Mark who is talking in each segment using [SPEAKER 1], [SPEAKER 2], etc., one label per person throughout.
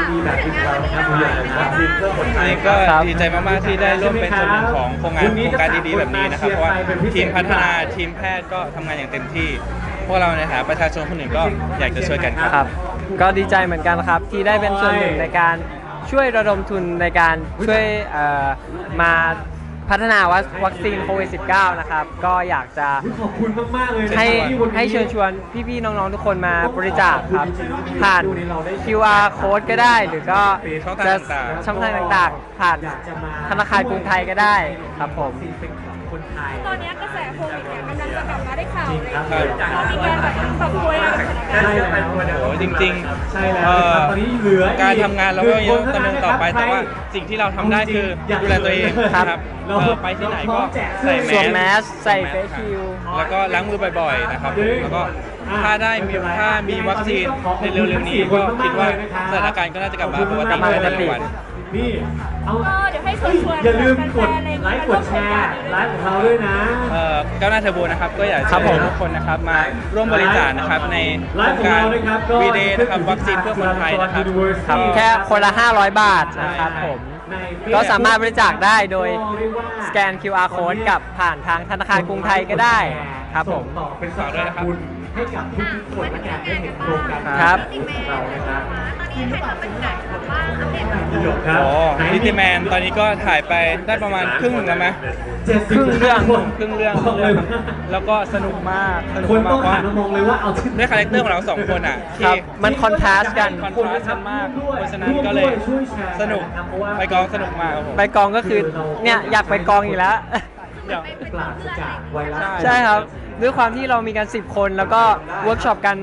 [SPEAKER 1] ดีๆแบบนี้เรานะครับวัคซีนเพื่อคนไทย
[SPEAKER 2] ก็ดีใจมากๆที่ได้ร่วมเป็นส่วนหนึ่งของโครงการดีๆแบบนี้นะครับเพราะว่าทีมพัฒนาทีมแพทย์ก็ทำงานอย่างเต็มที่พวกเราในฐานะประชาชนคนหนึ่งก็อยากจะช่วยกันครับ
[SPEAKER 3] ก็ดีใจเหมือนกันครับที่ได้เป็นส่วนหนึ่งในการช่วยระดมทุนในการช่วยมาพัฒนาวัคซีนโควิด -19 นะครับก็อยากจะ
[SPEAKER 1] ขอบคุณมากๆเลย
[SPEAKER 3] ให้เชิญชวนพี่ๆน้องๆทุกคนมาบริจาคครับผ่าน QR code ก็ได้หรือก็จะช่องทางต่างๆผ่านธนาคารกรุงไทยก็ได้ครับผม
[SPEAKER 1] คนไทย
[SPEAKER 4] ตอนนี้กระแสโควิดเนี่ยกำลังจะกลับมาได้ข่าวเลย
[SPEAKER 2] ครับ
[SPEAKER 4] เรามีการแบบปรับตัวยังไงกับสถานการณ์
[SPEAKER 2] โอ้จริง
[SPEAKER 1] ใช่แล้วครับตอนนี้เหลือ
[SPEAKER 2] การทำงานเราก็ยังดำเนินต่อไปแต่ว่าสิ่งที่เราทำได้คือดูแลตัวเองนะครับไปที่ไหนก็ใส่
[SPEAKER 3] สวมแมสใส่เฟซชิลด์
[SPEAKER 2] แล้วก็ล้างมือบ่อยๆนะครับแล้วก็ถ้ามีวัคซีนในเร็วๆนี้ก็คิดว่าสถานการณ์ก็น่าจะกลับมาปกติในแต่ละวัน
[SPEAKER 1] นี่เอา
[SPEAKER 4] ก็เดี๋ยวให้เชิญชวน
[SPEAKER 1] อย่าลืมกด
[SPEAKER 4] แฟนๆอะไร
[SPEAKER 1] ไลค์กดแชร์ไลฟ์ของเราด้วยนะ
[SPEAKER 2] ก้าวหน้าเทอร์โบนะครับก็อยาก
[SPEAKER 3] ครั
[SPEAKER 2] เชิ
[SPEAKER 3] บผม
[SPEAKER 2] ญทุกคนนะครับมาร่วมบริจาคนะครับในโครงการวีเดย์นะครับวัคซีนเพื่อคนไทยนะครับ
[SPEAKER 3] ครับแค่คนละ500 บาทนะครับผมก็สามารถบริจาคได้โดยสแกน QR code กับผ่านทางธนาคารกรุงไทยก็ได้ครับผม
[SPEAKER 1] ต่อเป็นสะพานบุญให้กับทุกๆคนและการได้เห็นโครงการ
[SPEAKER 3] ครับ
[SPEAKER 1] ของเรานะครับ
[SPEAKER 4] ตอนนี้ให้ทำเป็นไหนแบบว่าอัปเดตแบบ
[SPEAKER 1] พี่หยกครับ
[SPEAKER 2] โอ้ลิติแมนตอนนี้ก็ถ่ายไปได้ประมาณครึ่งหนึ่งแล้วไหม
[SPEAKER 1] 70
[SPEAKER 2] ครึ่งเรื่อง
[SPEAKER 1] บอกเลยว่า
[SPEAKER 2] แล้วก็สนุกมากสนุก
[SPEAKER 1] คน
[SPEAKER 2] มา
[SPEAKER 1] ต้อง
[SPEAKER 2] กว่า
[SPEAKER 1] หันมามองเลยว่าเอาที่
[SPEAKER 2] ด้วยคาแรคเตอร์ของเราสองคนอ่ะ
[SPEAKER 3] ค
[SPEAKER 2] ที่
[SPEAKER 3] รับมันคอนทราสต์กัน
[SPEAKER 2] คอนทราสต์กันมากเพราะฉะนั้นก็เลยสนุกไปกองสนุกมากครับผม
[SPEAKER 3] ไปกองก็คือเนี่ยอยากไปกองอยู่แล้ว
[SPEAKER 2] เดี๋ยว
[SPEAKER 1] ปราศจากไวรัส
[SPEAKER 3] ใช่ครับด้วยความที่เรามีกัน10 คนแล้วก็เวิร์กช็อปกัน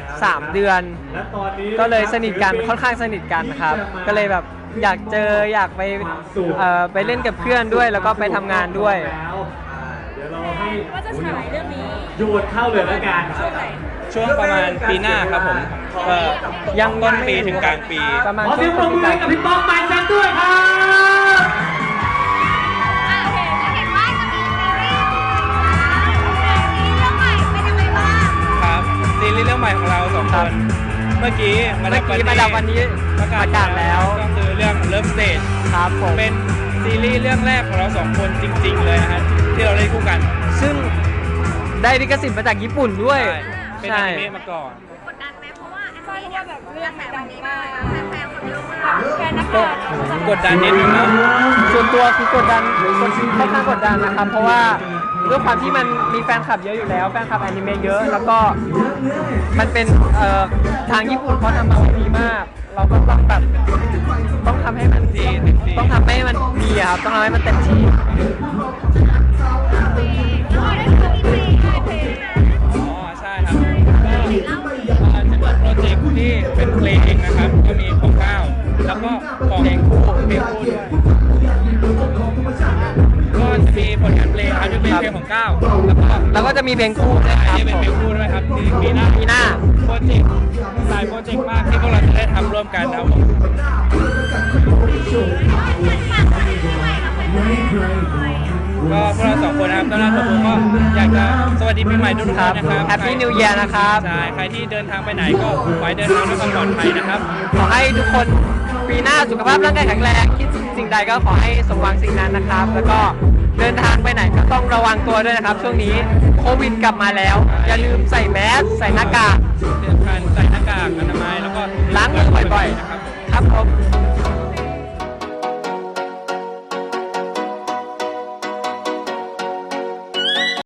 [SPEAKER 3] 3 เดือน
[SPEAKER 1] และตอนนี้
[SPEAKER 3] ก็เลยสนิทกันค่อนข้างสนิทกันครับ ก็เลยแบบอยากเจออยากไปเล่นกับเพื่อนด้วยแล้วก็ไปทำงานด้วย
[SPEAKER 1] เดี๋ยวเราให้
[SPEAKER 4] ว่าจะฉายเรื่องนี้
[SPEAKER 1] โยนเข้าเลยแล้วกัน
[SPEAKER 4] ช่วงไหน
[SPEAKER 2] ช่วงประมาณปีหน้าครับผมยังต้นปีถึงกลางปี
[SPEAKER 3] ประมาณ
[SPEAKER 1] ขอเสียงปรบมือให้กับพี่ป้องไมค์แซมด้วยครับ
[SPEAKER 4] อ่ะโอเคจะเห็นว่าจะมีซีรีส์เรื่องใหม่เป็นยังไงบ้าง
[SPEAKER 2] ครับซีรีส์เรื่องใหม่ของเราสองคน เมื่อกี้มาดับ
[SPEAKER 3] วันนี้ประกาศแล้ว
[SPEAKER 2] ก็คือเรื่องเริ่มสเตจ
[SPEAKER 3] ครับผม
[SPEAKER 2] เป็นซีรีส์เรื่องแรกของเราสองคนจริง ๆ เลยนะฮะที่เราเล่นคู่กัน
[SPEAKER 3] ซึ่งได้ลิขสิทธิ์มาจากญี่ปุ่นด้วย
[SPEAKER 2] เป็นอนิเมะมาก่อน
[SPEAKER 4] กดดันไหมเพราะว่าใช่เพราะว่าแบบเรื่องมันดังมากแฟนๆคนเยอะมากแฟนนักข่าว
[SPEAKER 2] กดดันนิดนึงนะ
[SPEAKER 3] ส่วนตัวคือกดดันค่อนข้างกดดันนะครับ เพราะว่าด้วยความที่มันมีแฟนคลับเยอะอยู่แล้วแฟนคลับอนิเมะเยอะ แล้วก็มันเป็นทางญี่ปุ่นเขาทำมาดีมาก เราก็ต้องแบบต้องทำให้มันดีต้องทำให้มันดีอะครับต้องทำให้มันเต็มที่
[SPEAKER 4] แล้วเราได้ทำเพลง
[SPEAKER 2] อ๋อใช่ครับก็จะเป็นโปรเจกต์ที่เป็นเพลงนะครับ ก็มีของก้าวแล้วก็ของเพลงคู่ด้วยก็จะมีผลงานเพลงครับที่เป็นเพลงของก้าวแล้วก็
[SPEAKER 3] แล้วก็จะมีเพลงคู่ด้วยครับ
[SPEAKER 2] ที่เป็นเพลงคู่ด้วยครับที่ปีหน้า
[SPEAKER 3] ปีหน้า
[SPEAKER 2] โปรเจกต์หลายโปรเจกต์มากที่พวกเราจะได้ทำร่วมกันนะครับผมก็พวกเราสองคนนะครับต้อนรับทุกคนก็อยากจะสวัสดีปีใหม่ทุกๆคนนะครับ
[SPEAKER 3] Happy New Year นะครับ
[SPEAKER 2] ใช่ใครที่เดินทางไปไหนก็ขอให้เดินทางด้วยความปลอดภัยนะครับ
[SPEAKER 3] ขอให้ทุกคนปีหน้าสุขภาพร่างกายแข็งแรงคิดสิ่งใดก็ขอให้สมหวังสิ่งนั้นนะครับ แล้วก็เดินทางไปไหนก็ต้องระวังตัวด้วยนะครับ ช่วงนี้โควิดกลับมาแล้ว อย่าลืมใส่แมสใส่หน้ากาก
[SPEAKER 2] เดินทางใส่หน้ากากอนามัยแล้วก็
[SPEAKER 3] ล้างมือบ่อย
[SPEAKER 2] นะครับ
[SPEAKER 3] ๆ ครับผม